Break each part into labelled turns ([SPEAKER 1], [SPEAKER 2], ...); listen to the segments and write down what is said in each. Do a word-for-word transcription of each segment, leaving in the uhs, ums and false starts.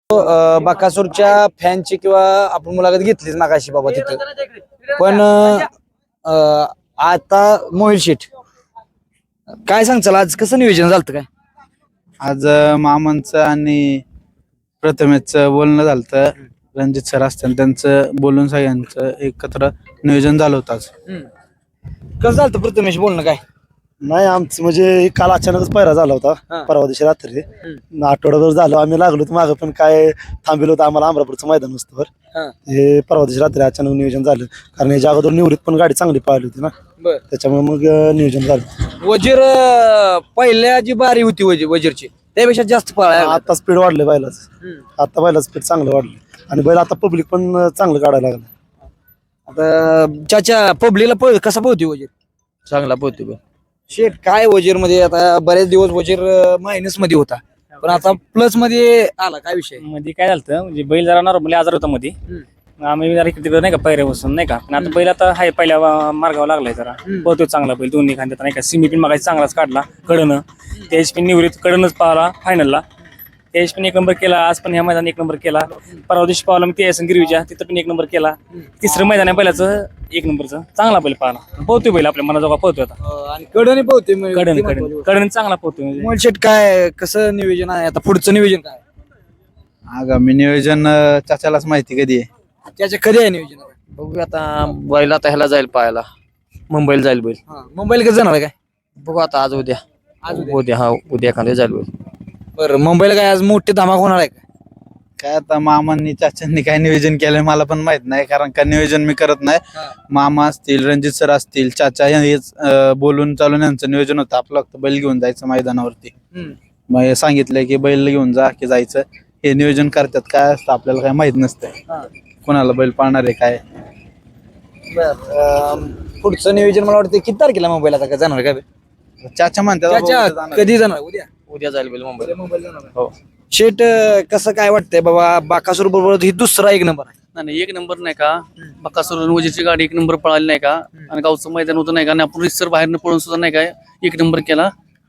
[SPEAKER 1] अ, बकासूरच्या फॅनची किंवा आपण मुलाखत घेतलीच मागाशी बाबा तिथं पण अ, आता मोहिल शेठ काय सांगचाल आज कसं नियोजन झालं काय?
[SPEAKER 2] आज अ, मामांचं आणि प्रथमेशचं बोलणं झालं. रणजित सर असतात त्यांचं बोलून सगळ्यांचं एकत्र नियोजन झालं होतं आज.
[SPEAKER 1] कसं झालं प्रथमेश बोलणं काय?
[SPEAKER 3] नाही आमचं म्हणजे काल अचानकच पायरा झाला
[SPEAKER 1] हा.
[SPEAKER 3] होता परवा दिवशी रात्री आठवडाभर झालं आम्ही लागलो तर मागं पण काय थांबेल होतं आम्हाला अमरापूरचं मैदान नसतं बरं
[SPEAKER 1] हा.
[SPEAKER 3] हे परवा दिवशी रात्री अचानक नियोजन झालं कारण याच्या अगोदर निवृत्त पण गाडी चांगली पाहिली होती ना
[SPEAKER 1] बर
[SPEAKER 3] त्याच्यामुळे मग अं, नियोजन झालं.
[SPEAKER 1] वजीर अ, पहिल्या जी बारी होती वजीर वजीरची त्यापेक्षा जास्त पळाय
[SPEAKER 3] आता स्पीड वाढलं बैलाच आता बैलाचं स्पीड चांगलं वाढलं आणि बैल आता पब्लिक पण अं, चांगलं काढायला लागलं.
[SPEAKER 1] आता चाचा पब्लिकला पळ कसा पोहती वजीर?
[SPEAKER 4] चांगला पोहतो.
[SPEAKER 1] शेठ काय वजीर मध्ये आता बरेच दिवस वजीर मायनस मध्ये होता पण आता प्लस मध्ये आला काय विषय?
[SPEAKER 5] मध्ये काय झालं म्हणजे बैल जरा नॉर्मली आजार होता मध्ये मग आम्ही जरा इकडे तिकडे नाही का पैऱ्या बसून नाही का पण आता बैल आता हाय पहिल्या वा- मार्गावर लागलाय जरा पोहतो चांगला बैल दोन्ही खांद्यात नाही का सिमी पिन मागायचा चांगलाच काढला कडनं त्याच पिन निवृत्त कडनच पाहला फायनलला त्याच पण एक नंबर केला आज पण ह्या मैदान एक नंबर केला परवा दिवशी पावला मग ते गिरवीच्या तिथं पण एक नंबर केला तिसरं मैदान आहे बैलाचं एक नंबरचं चांगला बैल पाहला पोहतोय बैल आपल्या मनाजोगा पोहतोय आता
[SPEAKER 1] अ, आणि कडनी पोहते म्हणजे
[SPEAKER 5] कडन
[SPEAKER 1] ती
[SPEAKER 5] कडन
[SPEAKER 1] महत्वाची
[SPEAKER 5] कडन चांगला पोहतोय म्हणजे
[SPEAKER 1] मोहिल शेठ काय कसं नियोजन आहे आता पुढचं नियोजन काय?
[SPEAKER 2] आगामी नियोजन अ, चाचालाच माहिती कधी आहे.
[SPEAKER 1] त्याच्या कधी आहे नियोजन?
[SPEAKER 4] बघू आता बैल आता ह्याला जाईल पाहायला मुंबईला जाईल बैल.
[SPEAKER 1] हा, मुंबईला कसं जाणार आहे काय?
[SPEAKER 4] बघू आता आज उद्या
[SPEAKER 1] आज उद्या.
[SPEAKER 4] उद्या हा उद्या एखाद्या जाईल बैल.
[SPEAKER 1] बरं मुंबईला काय आज मोठी धमाक होणार आहे का?
[SPEAKER 2] काय आता मामांनी चाचांनी काय नियोजन केलंय मला पण माहित नाही कारण का नियोजन मी करत नाही. मामा असतील रणजित सर असतील चाचा हेच अ, बोलून चालून यांचं नियोजन होतं आपलं फक्त बैल घेऊन जायचं मैदानावरती.
[SPEAKER 1] हम्म.
[SPEAKER 2] मग हे सांगितलंय की बैल घेऊन जा की जायचं हे नियोजन करतात काय असतं आपल्याला काय माहित नसतंय
[SPEAKER 1] हा.
[SPEAKER 2] कोणाला बैल पाळणार आहे काय.
[SPEAKER 1] बरं अं, पुढचं नियोजन मला वाटतं किती तारखेला मुंबईला आता काय जाणार काय?
[SPEAKER 2] चाचा म्हणतात
[SPEAKER 1] त्याच्या
[SPEAKER 2] "बाबा, जाणार."
[SPEAKER 1] कधी जाणार? उद्या
[SPEAKER 4] उद्या जाईल बैल मुंबईला.
[SPEAKER 1] मुंबईला जाणार आहे.
[SPEAKER 4] हो
[SPEAKER 1] शेठ अं, कसं काय वाटतंय बाबा बाकासूर बरोबर ही दुसरा एक नंबर आहे.
[SPEAKER 6] नाही नाही, एक नंबर नाही का बकासूर वजीरची गाडी एक नंबर पळाली नाही का आणि गावचं मैदान होतं नाही का आणि आपण रिसर बाहेरनं पळून सुद्धा नाही का एक नंबर केला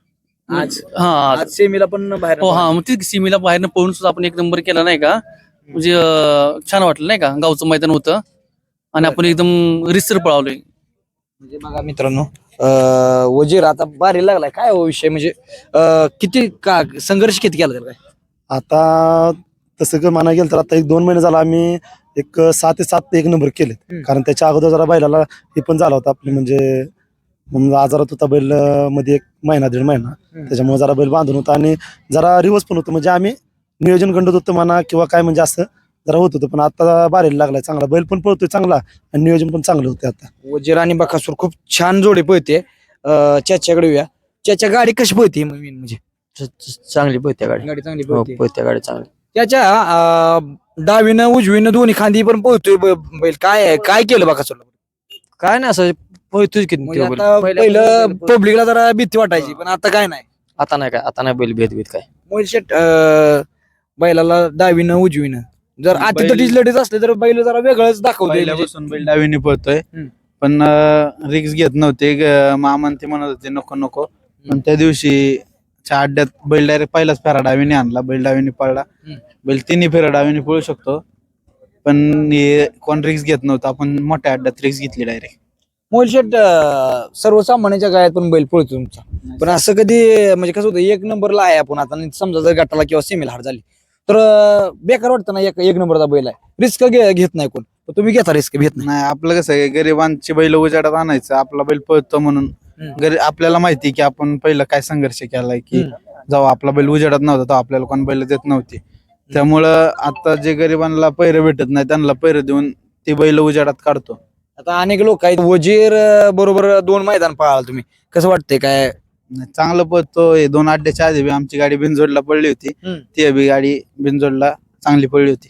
[SPEAKER 1] आज
[SPEAKER 6] हा आज
[SPEAKER 1] आज सेमीला पण बाहेर
[SPEAKER 6] हो हा मग तेच सीमेला बाहेरनं पळून सुद्धा आपण एक नंबर केला नाही का म्हणजे अं, छान वाटलं नाही का गावचं मैदान होतं आणि आपण एकदम रिसर पळावलोय.
[SPEAKER 1] म्हणजे बघा मित्रांनो अं, वजीर आता बारी लागलाय काय हो विषय म्हणजे अं, किती का संघर्ष किती केला त्याला काय?
[SPEAKER 3] आता तसं का म्हणा गेलं तर आता एक दोन महिने झाला आम्ही एक सात ते सात एक नंबर केले
[SPEAKER 1] हम्म.
[SPEAKER 3] कारण त्याच्या अगोदर जरा बैलाला हे पण झाला होता आपले म्हणजे मग आजारात होता बैल अं, मध्ये एक महिना दीड महिना
[SPEAKER 1] हम्म.
[SPEAKER 3] त्याच्यामुळे जरा बैल बांधून होता आणि जरा रिवर्स पण होतं म्हणजे आम्ही नियोजन गंडत होतं म्हणा किंवा काय म्हणजे असं जरा होत होतं पण आता बारेला लागलाय चांगला बैल पण पळतोय चांगला आणि नियोजन पण चांगलं होतं आता.
[SPEAKER 1] वजीर आणि बकासूर खूप छान जोडी पळते. अं, चाच्याकडे येऊया. चाच्या गाडी कशी पळते मग main म्हणजे
[SPEAKER 4] च- च- चांगली पोहत्या गाडी.
[SPEAKER 1] गाडी चांगली
[SPEAKER 4] हो
[SPEAKER 1] पळते.
[SPEAKER 4] पोहत्या गाडी चांगली.
[SPEAKER 1] त्याच्या अं, डावीनं उजवीनं दोन्ही खांदी पण पळतोय ब- बैल काय आहे? काय केलं बकासूरला?
[SPEAKER 4] काय नाही असं पोहतोय की
[SPEAKER 1] म्हणजे
[SPEAKER 4] तो बैल.
[SPEAKER 1] आता
[SPEAKER 4] पहिल्या-
[SPEAKER 1] पहिलं पब्लिकला जरा भीती वाटायची पण आता काय नाही.
[SPEAKER 4] आता नाही काय आता नाही बैल भेद भेद काय.
[SPEAKER 1] मोहिल शेट अं, बैलाला डावीनं उजवीनं जर आधी
[SPEAKER 2] बैल-
[SPEAKER 1] तटीच लढीच असले तर बैल जरा वेगळंच दाखवतोय म्हणजे.
[SPEAKER 2] पहिल्यापासून बैल डावीने पळतोय
[SPEAKER 1] हम्म.
[SPEAKER 2] पण रिक्स घेत नव्हते ग- मामान ते म्हणत होते नको नको पण त्या दिवशी च्या अड्ड्यात बैल डायरेक्ट पहिलाच फेरा डावीने आणला बैल डावीने पळला.
[SPEAKER 1] हम्म.
[SPEAKER 2] बैल तिन्ही फेरा डावीने पळू शकतो पण हे कोण रिक्स घेत नव्हतं आपण मोठ्या अड्ड्यात रिक्स घेतली डायरेक्ट.
[SPEAKER 1] मोहिल शेट अं, सर्वसामान्यांच्या गायात पण बैल पळतो तुमचा पण असं कधी म्हणजे कसं होतं एक नंबरला आहे आपण आता आणि समजा जर गटाला किंवा सेमीला हार झाली तर अं, बेकार वाटतं ना एक एक नंबरचा बैल आहे रिस्क घेत नाही कोण पण तुम्ही घेता रिस्क घेत नाही.
[SPEAKER 2] नाही आपलं कसं आहे गरिबांची बैल उजाडात आणायचं आपला बैल पळतो म्हणून
[SPEAKER 1] हम्म.
[SPEAKER 2] गरी आपल्याला माहिती की आपण पहिलं काय संघर्ष केलाय की जेव्हा आपला बैल उजाडात नव्हता तेव्हा आपल्याला कोण बैल देत नव्हती त्यामुळं आता जे गरिबांना पैरे भेटत नाही त्यांना पैरे देऊन ती बैल उजाडात काढतो.
[SPEAKER 1] आता अनेक लोक आहेत वजीर अं, बरोबर दोन मैदान पळाल तुम्ही कसं वाटतंय काय?
[SPEAKER 2] नाही, चांगलं पळतो हे दोन अड्ड्याच्या आधी बी आमची गाडी बिनजोडला पडली होती
[SPEAKER 1] हम्म.
[SPEAKER 2] ती बी गाडी बिनजोडला चांगली पडली होती.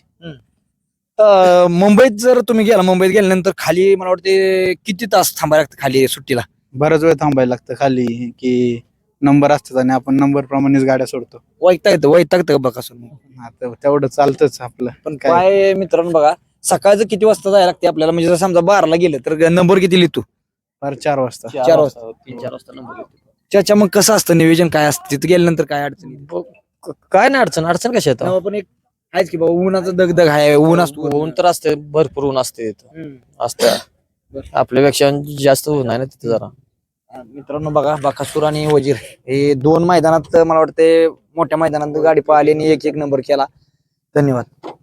[SPEAKER 1] अं, मुंबईत जर तुम्ही गेला मुंबईत गेल्यानंतर खाली मला वाटते किती तास थांबायला लागतं खाली सुट्टीला?
[SPEAKER 2] बराच वेळ थांबायला लागतं खाली की नंबर असतात आणि आपण नंबर प्रमाणेच गाड्या सोडतो.
[SPEAKER 1] वैता येतं वैता येतं बकासूर
[SPEAKER 2] आता तेवढं चालतच आपलं
[SPEAKER 1] पण
[SPEAKER 2] काय
[SPEAKER 1] काय मित्रांनो बघा सकाळचं किती वाजता जायला लागते आपल्याला म्हणजे जर समजा बाराला गेलं तर नंबर किती लिहितो?
[SPEAKER 2] फार चार वाजता
[SPEAKER 1] चार वाजता.
[SPEAKER 4] तीन चार वाजता नंबर येतो.
[SPEAKER 1] त्याच्या मग कसं असतं नियोजन काय असतं तिथे गेल्यानंतर काय अडचण येते?
[SPEAKER 4] ब- क- काय नाही अडचण अडचण कशी येतं
[SPEAKER 1] तेव्हा पण एक आहेच की बाबा उन्हाचं दगदग आहे ऊन असतो
[SPEAKER 4] ऊन तर असते भरपूर ऊन असते तिथं
[SPEAKER 1] हम्म.
[SPEAKER 4] असतं
[SPEAKER 1] बरं.
[SPEAKER 4] आपल्यापेक्षा जास्त ऊन आहे ना तिथं जरा
[SPEAKER 1] हा, मित्रांनो बघा बकासूर आणि वजीर हे दोन मैदानात मला वाटते मोठ्या मैदानात गाडी पळाली आणि एक एक नंबर केला. धन्यवाद.